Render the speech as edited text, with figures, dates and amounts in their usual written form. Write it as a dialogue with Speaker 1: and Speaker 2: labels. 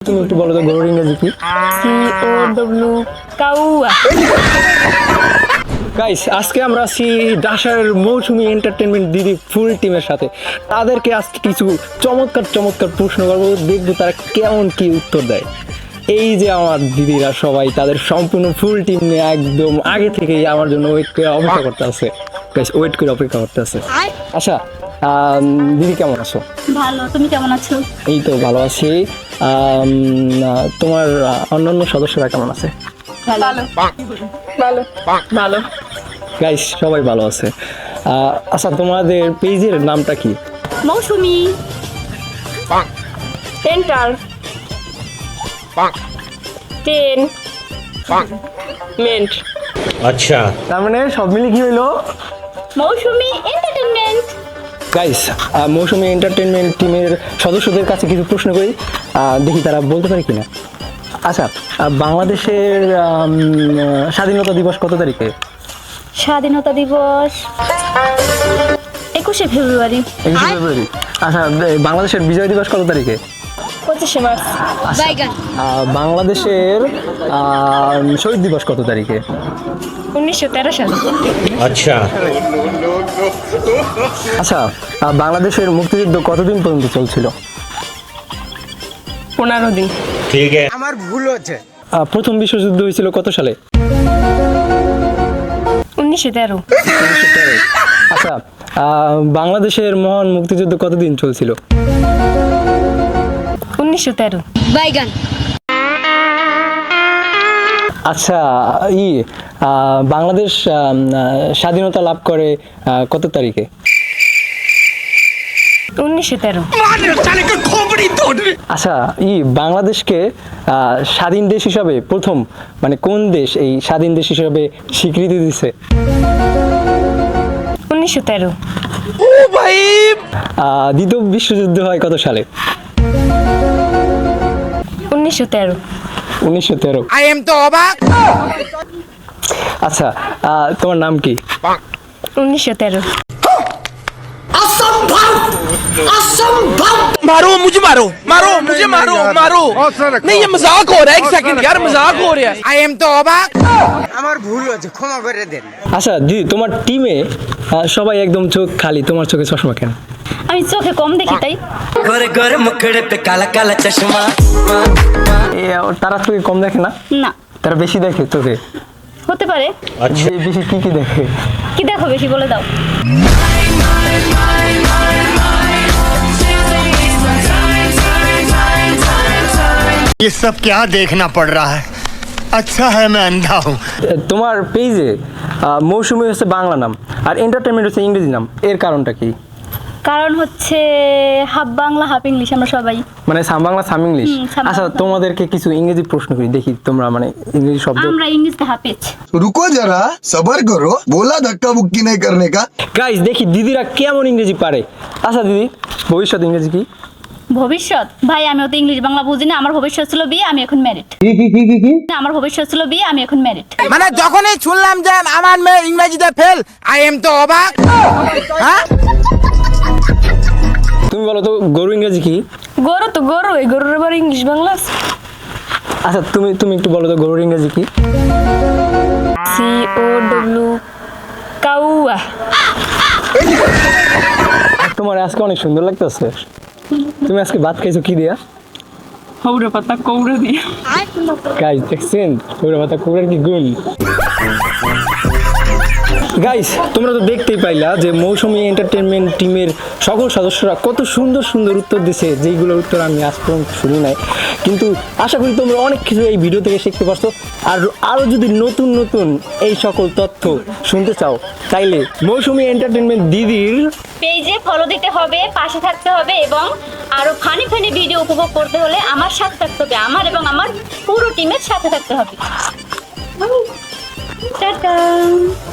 Speaker 1: তুমি একটু বলো তো গরুর ইংরেজি কি?
Speaker 2: COW কাউয়া।
Speaker 1: গাইস, আজকে আমরা আছি ডাসার মৌসুমী এন্টারটেনমেন্ট দিদি ফুল টিমের সাথে। তাদেরকে আজকে কিছু চমৎকার চমৎকার প্রশ্ন করবো, দেখবো তারা কেমন কি উত্তর দেয়। এই যে আমার দিদিরা সবাই তাদের সম্পূর্ণ ফুল টিম নিয়ে একদম আগে থেকেই আমার জন্য ওয়েট করে অপেক্ষা করতে আছে। গাইস, ওয়েট করে অপেক্ষা করতে আছে। আচ্ছা, দিদি কেমন আছো?
Speaker 2: ভালো, তুমি কেমন আছো?
Speaker 1: এই তো ভালো আছি। তোমার অন্যান্য সদস্যরা কেমন আছে?
Speaker 2: ভালো ভালো ভালো।
Speaker 1: গাইস, সবাই ভালো আছে। আচ্ছা, তোমাদের পেজের নামটা কি?
Speaker 2: মৌসুমী এন্টার 10 মেন্ট।
Speaker 3: अच्छा
Speaker 1: তার মানে সব মিলে কি হইলো?
Speaker 2: Mousumi entertainment.
Speaker 1: Guys, Mousumi entertainment টিমের সদস্যদের কাছে কিছু প্রশ্ন করি, দেখি তারা বলতে পারে কিনা। আচ্ছা, বাংলাদেশের স্বাধীনতা দিবস কত তারিখে?
Speaker 2: স্বাধীনতা দিবস 21শে ফেব্রুয়ারি।
Speaker 1: 21শে ফেব্রুয়ারি। আচ্ছা, বাংলাদেশের বিজয় দিবস কত তারিখে?
Speaker 2: 25শে মার্চ।
Speaker 1: বাংলাদেশের শহীদ দিবস কত তারিখে?
Speaker 2: 1913 সালে।
Speaker 3: अच्छा
Speaker 1: আচ্ছা, বাংলাদেশের মুক্তিযুদ্ধ কতদিন পর্যন্ত চলছিল?
Speaker 2: 15 দিন।
Speaker 3: ठीक है
Speaker 1: প্রথম বিশ্বযুদ্ধ হয়েছিল কত সালে?
Speaker 2: 1913।
Speaker 1: আচ্ছা, বাংলাদেশের মহান মুক্তিযুদ্ধ কতদিন চলছিল?
Speaker 2: 1913। বাইগান।
Speaker 1: আচ্ছা, বাংলাদেশ স্বাধীনতা লাভ করে কত তারিখে?
Speaker 2: 1913।
Speaker 1: আচ্ছা, বাংলাদেশকে স্বাধীন দেশ হিসাবে প্রথম মানে কোন দেশ এই স্বাধীন দেশ হিসাবে স্বীকৃতি দিছে?
Speaker 2: 1913।
Speaker 1: দ্বিতীয় বিশ্বযুদ্ধ হয় কত সালে?
Speaker 2: 1913।
Speaker 1: 1913।
Speaker 4: I am तो অবাক।
Speaker 1: আচ্ছা, তোমার নাম কি?
Speaker 2: 1913।
Speaker 4: मारो मुझे मारो मारो मुझे मारो मारो नहीं ये मजाक हो रहा है एक सेकंड यार मजाक हो रहा है आई एम तो অবাক আমার ভুল হয়েছে ক্ষমা করে দেন।
Speaker 1: আচ্ছা দিদি, তোমার টিমে সবাই একদম চোখ খালি, তোমার চোখে চশমা কেন?
Speaker 2: আমি চোখে কম দেখি তাই।
Speaker 5: गोरे गोरे मुखड़े पे काला काला चश्मा
Speaker 1: তারা চোখে কম দেখে না?
Speaker 2: না,
Speaker 1: তারা বেশি দেখে চোখে।
Speaker 2: হতে পারে।
Speaker 3: अच्छा
Speaker 1: বেশি কি কি দেখে?
Speaker 2: কি দেখো বেশি বলে দাও।
Speaker 6: ये सब क्या देखना पड़ रहा है। अच्छा है मैं अंधा हूँ।
Speaker 1: তোমার পেজে মৌসুমী হচ্ছে বাংলা নাম আর এন্টারটেনমেন্ট হচ্ছে ইংরেজি নাম, এর কারণটা কি?
Speaker 2: কারণ হচ্ছে হাফ বাংলা হাফ ইংলিশ আমরা সবাই।
Speaker 1: মানে সাম বাংলা সাম ইংলিশ।
Speaker 2: সাম
Speaker 1: আচ্ছা,
Speaker 2: বাংলা।
Speaker 1: তোমাদেরকে কিছু ইংরেজি প্রশ্ন করি, দেখি তোমরা মানে ইংরেজি শব্দ।
Speaker 2: আমরা ইংলিশে হাফেজ।
Speaker 7: रुको जरा सबर करो बोला धक्का मुक्की नहीं करने का।
Speaker 1: গাইস, দেখি দিদিরা কেমন ইংরেজি পারে। আচ্ছা দিদি, ভবিষ্যৎ ইংরেজি কি?
Speaker 2: ভবিষ্যৎ ভাই আমি অত ইংলিশ বাংলা বুঝি না। আমার ভবিষ্যৎ ছিল বিয়ে, আমি এখন ম্যারিড। আমার ভবিষ্যৎ ছিল বিয়ে, আমি এখন ম্যারিড।
Speaker 4: মানে যখনই শুনলাম যে আমার মেয়ে ইংরেজিতে ফেল আই এম তো অবাক। হ্যাঁ
Speaker 1: তুমি বলো তো গরু ইংরেজি কি?
Speaker 2: গরু তো গরু, এই গরুর আবার ইংলিশ বাংলা আছে।
Speaker 1: আচ্ছা, তুমি একটু বলো তো গরুর ইংরেজি কি?
Speaker 2: COW কাউয়া।
Speaker 1: তোমার আজকে অনেক সুন্দর লাগতেছে। তুমি আজকে ভাত খাইছো কি দিয়া?
Speaker 2: হৌরে পাতা কৌড়ে দিয়ে।
Speaker 1: গাইস, দেখছেন ওরা কথা কুকুরের কি গুণ। গাইস, তোমরা তো দেখতেই পাইলা যে মৌসুমী এন্টারটেনমেন্ট টিমের সকল সদস্যরা কত সুন্দর সুন্দর উত্তর দিছে, যেইগুলোর উত্তর আমি আজ পর্যন্ত শুনি নাই। কিন্তু আশা করি তোমরা অনেক কিছু এই ভিডিও থেকে শিখতে পারছো। আর আরও যদি নতুন নতুন এই সকল তথ্য শুনতে চাও, তাইলে মৌসুমী এন্টারটেনমেন্ট দিদির
Speaker 2: পেজে ফলো দিতে হবে, পাশে থাকতে হবে এবং আরো ফানি ফানি ভিডিও উপভোগ করতে হলে আমার সাথে থাকতে হবে, আমার এবং আমার পুরো টিমের সাথে থাকতে হবে। টাটা।